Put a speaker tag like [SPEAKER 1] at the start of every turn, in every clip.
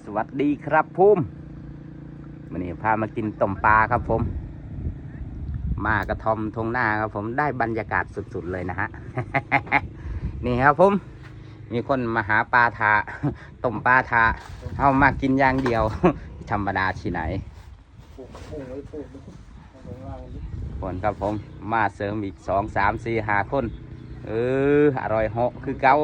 [SPEAKER 1] วัสดีครับพุ่มวันนี้พามากินต้มปลาครับผมมากระทอมทงหน้าครับผมได้บรรยากาศสุดๆเลยนะฮะ นี่ครับผมมีคนมาหาปลาทาต้มปลาทาเอามากินอย่างเดียว ธรรมดาที่ไหนคนครับผมมาเสริมอีก2, 3, 4, 5 คนอร่อยเหาะคือเก่า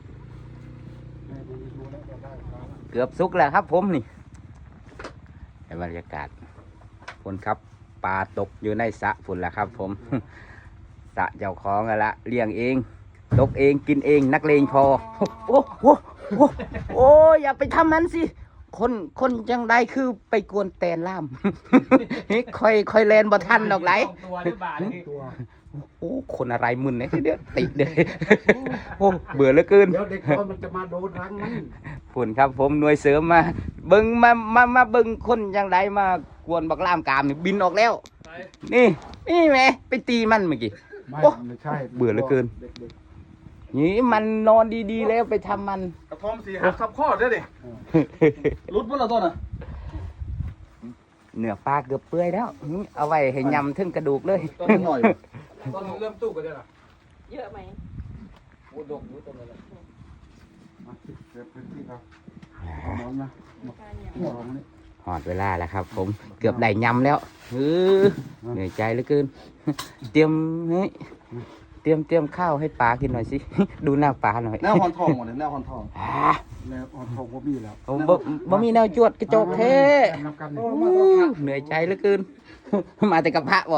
[SPEAKER 1] เกือบสุกแล้วครับผมนี่ในบรรยากาศคนครับปลาตกอยู่ในสระฝุ่นแล้วครับผม สระเจ้าของละเลี้ยงเองตกเองกินเองนักเลงพอโอ้โหโอ้อย่าไปทำมันสิคนจังได้คือไปกวนแตนล่าม ค่อยแลนบ่ทันดอกไหลโอ้คนอะไรมึนเนี่ยเดี๋ยวติดเลยโอ้เบื่อเหลือเกิน
[SPEAKER 2] เดี๋ยวเด็กมันจะมาโดนรังมัน
[SPEAKER 1] ฝุ่นครับผมหน่วยเสริมมาเบิ่งมาเบิ่งคนจังไดมากวนบักล่ามกามนี่บินออกแล้วนี่แหมไปตีมันเมื่อกี้
[SPEAKER 2] ไม่ใช่
[SPEAKER 1] เบื่อเหลือเกินนี่มันนอนดีๆแล้วไปทำมัน
[SPEAKER 3] กระทอม4 หักทับข้อได้ดิรุดพุ่นละต้นอ่ะ
[SPEAKER 1] เนื้อปลาเกือบเปื่อยแล้วเอาไว้ให้ยำถึงกระดูกเลย
[SPEAKER 3] ต้นหน่อยต้นเริ่มตู้กันได้หรอ
[SPEAKER 4] เยอะไหม
[SPEAKER 3] โอ้ดกอยู่ต้นอะไร
[SPEAKER 2] มาเก็บพื้นที่ครับนอนนะ
[SPEAKER 1] หอดเวลาแล้วครับผมเกือบได้ยำแล้วเหนื่อยใจเหลือเกินเตรียมข้าวให้ปลากินหน่อยสิ ดูหน้าปลาหน่อย
[SPEAKER 3] แนวฮอนทองหมดเลยแนวฮอนทอง
[SPEAKER 2] แนวฮอนทองบ่มีแล้ว
[SPEAKER 1] บ่มีแนวจวดกระจกเท่เหนื่อยใจเหลือเกิน มาแต่กับพระบ่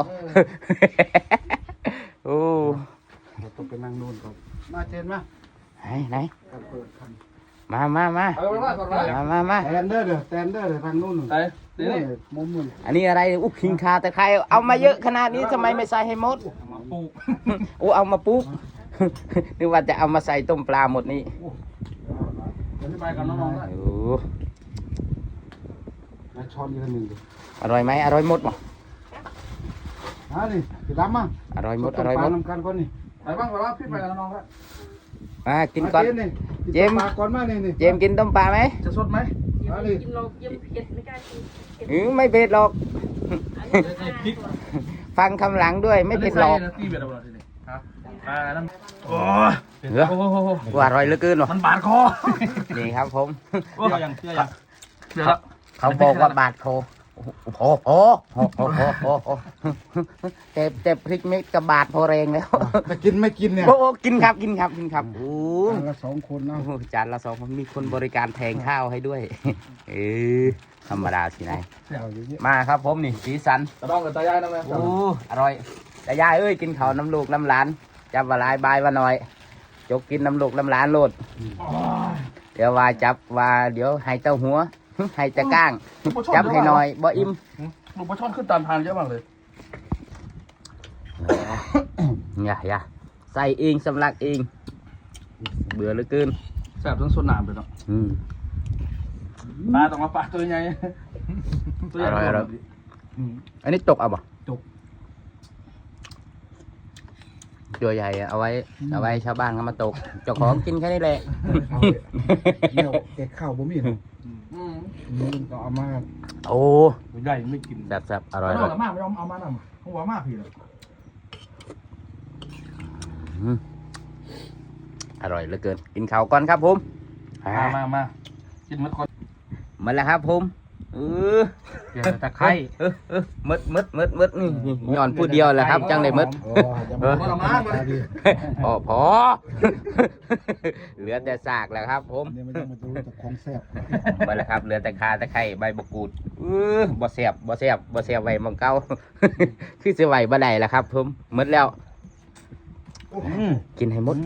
[SPEAKER 1] โอ้
[SPEAKER 2] เราต้องไปนั่งนู่นก่อนมาเจนมา
[SPEAKER 1] ไหนมา
[SPEAKER 2] แตนเดอร์ทางนู่นนี่มุมนู่น
[SPEAKER 1] อันนี้อะไรคิงคาแต่ใครเอามาเยอะขนาดนี้ทำไมไม่ใส่ให้หมด
[SPEAKER 3] มาปลูก
[SPEAKER 1] เอามาปลูกนึกว่าจะเอามาใส่ต้มปลาหมดนี้
[SPEAKER 3] อธิบายกับน้องๆได้
[SPEAKER 2] ช้อนอีกหนึ่ง
[SPEAKER 1] อร่อยไหมอร่อยหมดบ่
[SPEAKER 2] นี่กินล้ำมั้ง
[SPEAKER 1] อร่อยหมด
[SPEAKER 2] น้ำกันก่อนนี่
[SPEAKER 3] ไปบ้างพี่ไปกับน้องๆครับ
[SPEAKER 1] มากินก่อนเจม
[SPEAKER 2] ก่อนมานี่
[SPEAKER 1] เจมกินต้มปลาไหม
[SPEAKER 3] จะสดไหม
[SPEAKER 4] กินเราเผ็ดไม่กล้ากิน
[SPEAKER 1] ไม่เผ็ดหรอกฟังคำหลังด้วยไม่เผ็ดหรอก
[SPEAKER 3] โอ้
[SPEAKER 1] ว่าอร่อยเหลือเกินหรอ
[SPEAKER 3] มันบาดคอ
[SPEAKER 1] นี่ครับผม
[SPEAKER 3] เชื่อยัง
[SPEAKER 1] เขาบอกว่าบาดคอโอ้แต่พริกเม็ดกับบาดพอแรงแล้ว
[SPEAKER 2] ไม่กินเนี่ย
[SPEAKER 1] โอ้กินครับโอ้
[SPEAKER 2] จานละ2 คนนะ
[SPEAKER 1] จานละ2 คนมีคนบริการแทงข้าวให้ด้วยธรรมดาสินายมาครับผมนี่สีสัน
[SPEAKER 3] ตะดองกับตายายนะแม่
[SPEAKER 1] โอ้อร่อยตายายเอ้ยกินข้าวน้ำลูกน้ำหลานจับว่าลายบายว่าหน่อยจกกินน้ำลูกน้ำหลานโลดเดี๋ยวว่าจับว่าเดี๋ยวให้เต้าหัวให้จะก้างจับให้หน่อยบ่อิ่ม
[SPEAKER 3] ลูกปลาช่อนขึ้นตามทางเยอะมากเลย
[SPEAKER 1] อย่าใส่เองสำลักเองเบื่อเหลือเกิน
[SPEAKER 3] แซ่บทั้งส่วนหนามเลยเนาะปลาต้องมาปลาตัวใหญ่
[SPEAKER 1] ตัวใหญ่อันนี้ตกเอาบ่ตัวใหญ่เอาไว้ชาวบ้านเขามาตกเจ้าของกินแค่นี้แหละ
[SPEAKER 2] เนี่ยแกข้าวบ่มีก็เอามา
[SPEAKER 1] โอ้
[SPEAKER 3] ใหญ่ไม่กิน
[SPEAKER 1] แซ่บอร่อย
[SPEAKER 3] มากไม่เอามานำหัวมากพี่เลย
[SPEAKER 1] อร่อยเหลือเกินกินข้าวก่อนครับผม
[SPEAKER 3] มากินมัดก่อน
[SPEAKER 1] มาแล้วครับผม
[SPEAKER 3] เดี๋ยวตะไคร้
[SPEAKER 1] มืดนี่ย้อนพูดเดียวแหละครับจังเลยมืดพอเหลือแต่ซากแล้วครับผม
[SPEAKER 2] ของแซ่บ
[SPEAKER 1] มาแล้วครับเหลือแต่คาตะไคร้ใบมะกรูดบ่แซ่บไว้มังเก้าคือเสียไหวบ่ได้แล้วครับผมมืดแล้วกินให้หมด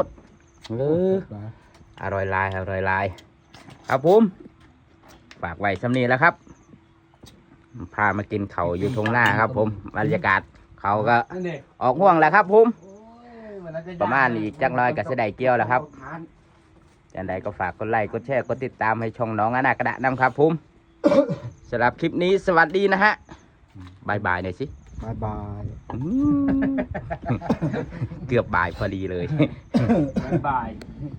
[SPEAKER 1] อร่อยลายครับผมฝากไว้สำนีแล้วครับพามากินเขาอยู่ตรงหน้าครับผมบรรยากาศเขาก็ออกห่วงแล้วครับผมประมาณอีกจังเลยกับเสด็จเกี่ยวแล้วครับอย่างไรก็ฝากกดไลค์กดแชร์กดติดตามให้ช่องน้องอนาคตนำครับผมสำหรับคลิปนี้สวัสดีนะฮะบายหน่อยสิ
[SPEAKER 2] บาย
[SPEAKER 1] เกือบบ่ายพอดีเลย
[SPEAKER 3] บาย